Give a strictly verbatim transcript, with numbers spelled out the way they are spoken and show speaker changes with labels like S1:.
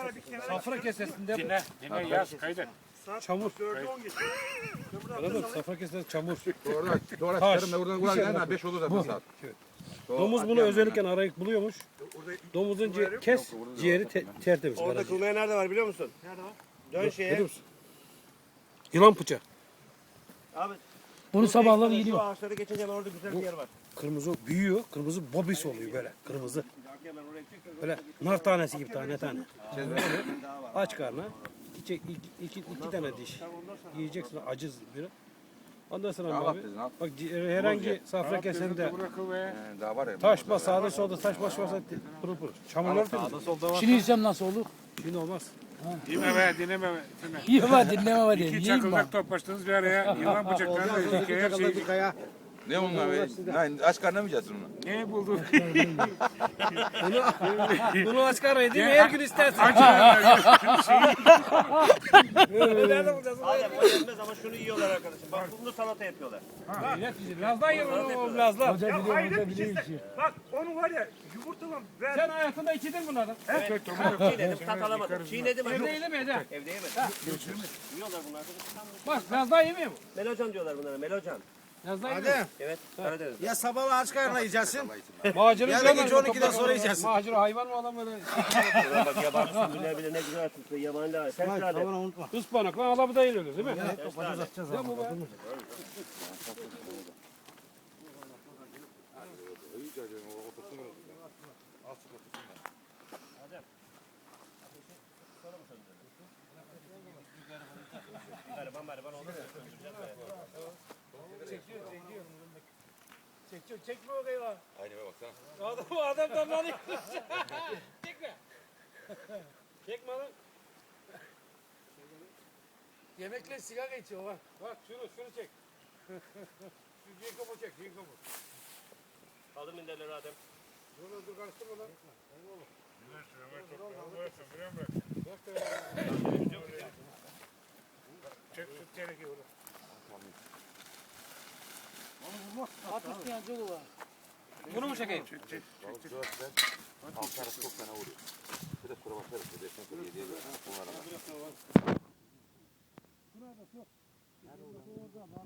S1: Safra kesesinde
S2: Dinle, dinle yaz, kaydet.
S1: çamur. Anladın mı? Safra kesesinde çamur.
S3: Doğru, doğru.
S1: Taş.
S3: Çıkarım da buradan buradan gelen beş olur zaten saat.
S1: Domuz bunu özellikle arayıp buluyormuş. Domuzun ci- kes ciğeri te- tertemiz.
S4: Orada
S1: karaciğer.
S4: kılmaya nerede var biliyor musun? Nerede var? Dön şeye.
S1: Biliyor musun? Yılan bıçağı.
S4: Abi.
S5: Bunu sabahları
S4: Şu
S5: yediyor.
S4: ağaçları geçince hemen orada güzel bir yer var.
S1: Kırmızı büyüyor. Kırmızı bobis oluyor böyle. Kırmızı. Böyle nar tanesi gibi tane tane. Aç karnına. İki, iki, iki, iki tane diş. Yiyeceksin acız bir. Ondan sonra
S3: Al
S1: abi.
S3: dedin, al.
S1: Bak ci- herhangi safra kesende
S2: Bırakıl ve
S3: Ee, Daha var ya.
S1: taş bas sağda solda taş baş varsa pırıl pırıl. Çamurlar pırıl.
S5: Şimdi yiyeceğim nasıl olur?
S1: Şimdi olmaz.
S2: dinle be, dinleme be. Dinle.
S5: Yiyemem dinleme var diye.
S2: İki
S5: Yiyeyim ben.
S2: çakıldak toplaştınız bir araya. Yılan bıçaklarını hikaye şey.
S3: Ne onlar be? Lan aç karnına mı yiyeceksin onu?
S2: Ne buldun?
S1: Bunu aç karnına değil mi? Her gün istersen. Nerede bulacağız?
S4: Adem o yenmez ama şunu yiyorlar arkadaşım. Bak bunu salata yapıyorlar.
S1: Lazdan yiyor oğlum lazdan.
S5: Hoca biliyor, hoca biliyor işi.
S6: Bak onu var ya yumurtalan ver.
S1: Sen hayatında içildin bunlardan.
S4: Evet. Çiğnedim tat alamadım. Çiğnedim ama
S1: Evde yedin mi Ede?
S4: evde yemedim. Yiyorlar bunlar arkadaşım.
S1: Bak lazdan yemiyor mu?
S4: Melocan diyorlar bunlara. Melocan.
S1: Lazdan yemiyor.
S4: Evet. Karadeniz.
S6: Ya sabah aç karnına yiyeceksin.
S1: Macera
S6: Ya da gece on ikiden sonra yiyeceksin.
S1: Macera hayvan mı adam böyle?
S4: Ulan bak yabancı sümbüller bile ne güzel tuttu. Yabancılar. Sen sıra de.
S1: Ispanak lan adamı da yiyoruz değil mi? Ya bu be.
S4: Gariban gariban oldu.
S1: Çekiyor, çekme o kayığı.
S3: Aynı be baksana.
S1: Adam adam damlanıyor. Çekme. Çekme lan. Yemekle sigara içiyor bak. Bak şunu şunu çek. Şu Jacob'u çek Jacob'u.
S4: Aldım minderleri Adem.
S1: Dur dur karıştırma lan.
S2: Çek şu teneke orada.
S5: Atışmayan çok var.
S1: Bunu mu çekeyim?
S3: Altı çok fena vuruyor. Bir de sonra bakarız. Bir de sen sonra yediye ver. Onlara bak.